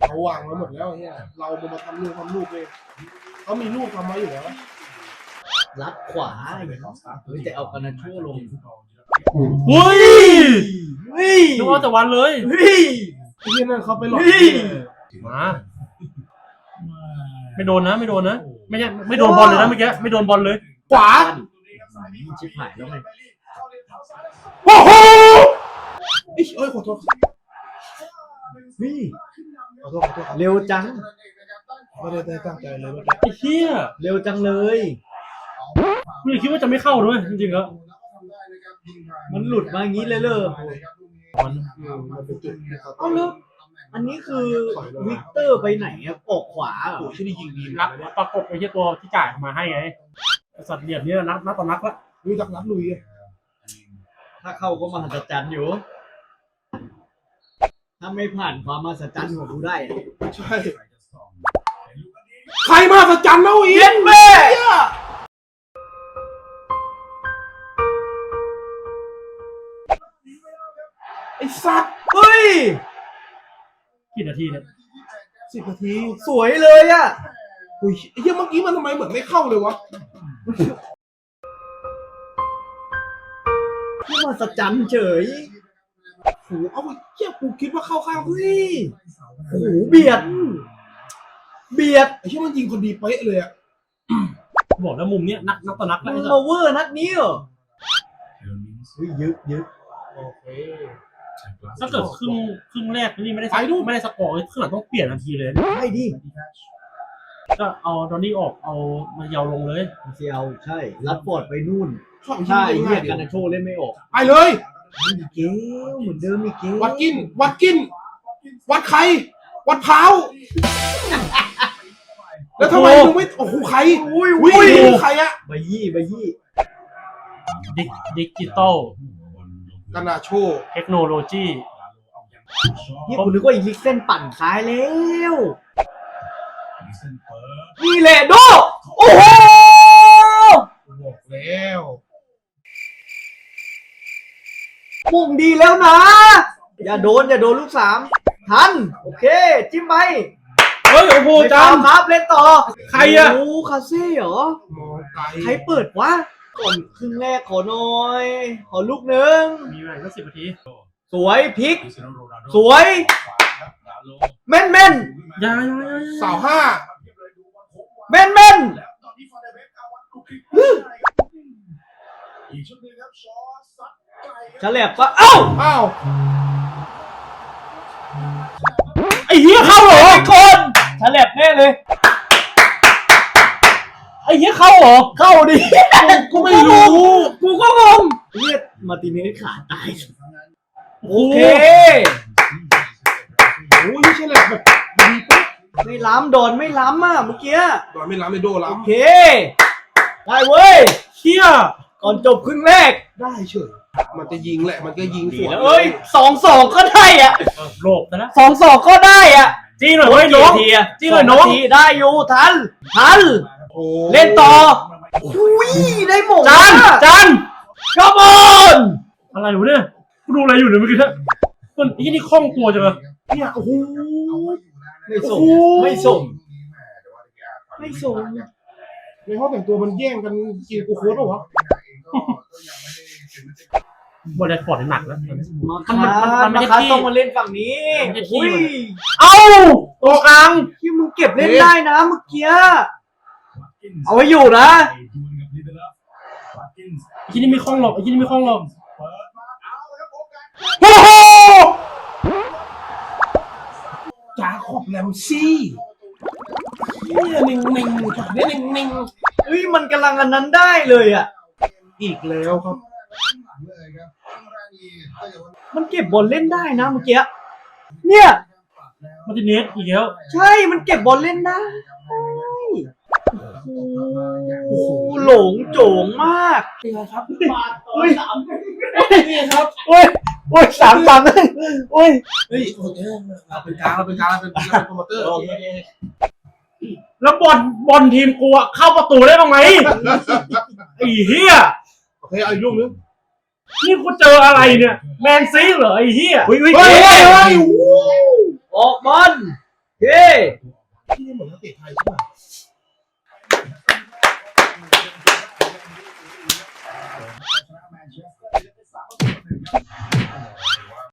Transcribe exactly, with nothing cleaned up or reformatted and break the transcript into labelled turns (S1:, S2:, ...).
S1: เขาวางไว้หมดแล้วเนี่ยเรามาทำลูกทำลูกเลยเขามีลูกทำไว้อยู่แล้ว
S2: ลัดขวาอย่างเงี้ยเฮ้ยแต่เอากันนะชั่วลง
S3: เฮ้ย
S2: เฮ้ย
S3: นึกว่าแต่วันเลย
S2: เฮ้ย
S1: ที่นั่นเขาไปหลอก
S3: มาไม่โดนนะไม่โดนนะไม่ใช่ไม่โดนบอลเลยนะเมื่อกี้ไม่โดนบอลเลย
S1: ขวา
S2: ชิบหายแล้วไง
S1: โอ้โหเอ้ยขอโทษ
S2: นี่
S1: ขอโทษขอโทษ
S2: เร็วจัง
S1: ไม่ได้ตั้งใจเลยเมื่อกี้
S3: ไอ้เหี้ย
S2: เร็วจังเลย
S3: กูคิดว่าจะไม่เข้าด้วยจริงๆแล้ว
S2: มันหลุดมาอย่างนี้เลยเลย
S1: มันมันเป็นจุด
S2: เอาเลยอันนี้คือวิกเตอร์ไปไหนอะออกขวาเหรอ
S1: ที่ได้ยิงดี
S3: นักประกบไอ้เหี้ยตัวที่จ่ายมาให้ไงสัตว์เหลี่ยมนี่นักนักต่อนักละ
S1: ลุยดักนักลุย
S2: ถ้าเข้าก็มหัศจรรย์อยู่ถ้าไม่ผ่านความมหัศจรรย์ของกูได้
S1: ใช่ใครมหัศจรรย์เล่าอีก
S2: แม่
S1: ไอ้สัตว์
S2: เฮ้ย
S3: กี่นาทีเนี่ย
S1: สิบนาที
S2: สวยเลยอ่ะ
S1: อุ้ยไอ้เหี้ยเมื่อกี้มันทำไมเหมือนไม่เข้าเลยวะ
S2: นี่มหัศจรรย์เฉย
S1: โหเอาไอ้เหี้ยกูคิดว่าเข้าข้างเฮ้ย
S2: โหเบียดเบียด
S1: ไอ้เหี้ยมันยิงคนดีเป๊ะเลยอ่ะ
S3: บอกแล้วมุมเนี้ยนักนักต่อนัก
S2: แล้วมาเวอร์นัดนี้เหรอเฮ้ยยึดยึด
S1: โอเค
S3: ถ้าเกิดครึ่งครึ่งแรกนี่ไม่ได้ไม่ได้สกอร์ครึ่งหลังต้องเปลี่ยนทันทีเลย
S2: ไม่ดิ
S3: ก็เอาดอนนี่ออกเอามาเยาลงเลย
S2: เซียวใช่รัดปอดไปนู่นใช่เรียกกันนะโชว์เล่นไม่ออก
S1: ไปเลย
S2: มีเกลเหมือนเดิมมีเกล
S1: วัดกินวัดกินวัดใครวัดเท้าแล้วทำไมมึงไม่โอ้โหใครอุ้ยอุ้ยใครอะ
S2: ใบยี่ใบยี่
S3: ดิจิตอล
S1: กานาโช
S3: เทคโนโลยี
S2: นี่ผมนึกว่าอีลิกเส้นปั่นซ้ายแล้วนี่แหละโดโอ้โห
S1: บอกแล้ว
S2: มุ่งดีแล้วนะอย่าโดนอย่าโดนลูกสามทันโอเคจิ้มไป
S3: เฮ้ยโอ้โหจาม
S2: ครับเล่นต่อ
S3: ใครอะ
S2: โอ้คาเซ่เหรอใครเปิดวะก่อนครึ่งแรกขอหน่อยขอลูกหนึ่ง
S3: มีเวลาแค่สิบนาที
S2: สวยพลิกสวยแม่นแม่น
S3: ยาย
S1: สาวห้า
S2: แม่นแม่นฉลับปะเอ้า
S1: เอ้า
S3: ไอ้เหี้ยเข้าเหรอ
S2: คนฉลับแน่เลย
S3: ไอ้เหี้ยเข้าเหรอ
S2: เข้าดิ
S1: กูไม่รู้
S2: กูก็งงเรียกมาติเนสขาตายโอเค
S1: โอ้ยไม่ใช่แหละแบบดีปุ๊บ
S2: ไม่ล้ำโดนไม่ล้ำอ่ะเมื่อกี้
S1: โดนไม่ล้ำไม่โดนล้ำ
S2: โอเคได้เว้ย
S3: เชี่ย
S2: ก่อนจบครึ่งแรก
S1: ได้เฉยมันจะยิงแหละมันก็ยิงสวน
S2: เอ้ยสองสองก็ได้อ่ะ
S3: โลบนะ
S2: สองสองก็ได้อ่ะ
S3: จี้หน่อยเว้ยน้องจี้หน่อยน้อง
S2: ได้อยู่ทันทันเล่นต่ออุ้ยได้หมด
S3: จันจัน
S2: ขบวน
S3: อะไรวะเนี่ยกูดูอะไรอยู่เนี่ยเมื่อกี้มันที่นี่คล่องตัวจังเลย
S1: เนี่ยโอ้โห
S2: ไม่ส่งไม่ส่งไม่ส่ง
S1: ในห้องแต่งตัวมันแย่งกันกินกูโค้ดหรอวะ
S3: บอลแดดฟอร์ดหนักแล้ว
S2: มันมันมันไม่ใช่ที่ต้องมาเล่นฝั่งนี้อุ้ย
S3: เอ้าตัวกลาง
S2: ที่มึงเก็บเล่นได้นะเมื่อกี้เอาไว้อยู่นะ
S3: ที่นี่ไม่คล่องหรอกที่นี่ไม่คล่องหรอก
S1: โอ้โหจ่าขอบแลมซี่เนี่ยนิ่งนิ่งเนี่ยนิ่งนิ่ง
S2: เฮ้ยมันกำลังอันนั้นได้เลยอ่ะ
S1: อีกแล้วครับ
S2: มันเก็บบอลเล่นได้นะเมื่อกี้เนี่ย
S3: มาติเนสอีกแล้ว
S2: ใช่มันเก็บบอลเล่นได้โอ้โหหลงโจ๋งมาก
S1: เป็นไงครับ
S2: โอ้ย
S1: สามนี่ครับ
S2: โอ้ยโอ้ยสามสามเลยโอ้ย
S1: เฮ้ยโอเคเราเป็นกลางเราเป็นกลางเราเป็นเราเป็นโปรโมเตอร์
S3: แล้วบอลบอลทีมกูอะเข้าประตูได้บ้างไหมไอ้เหี้ย
S1: โอเคเอาอีกลูกนึง
S3: นี่กูเจออะไรเนี่ยแมนซีเหรอไอ้เหี้ย
S2: เฮ้ยเฮ้ยออกบอลเกเค
S1: ที่นี่เหมือนนักเตะไทยใช่ไหม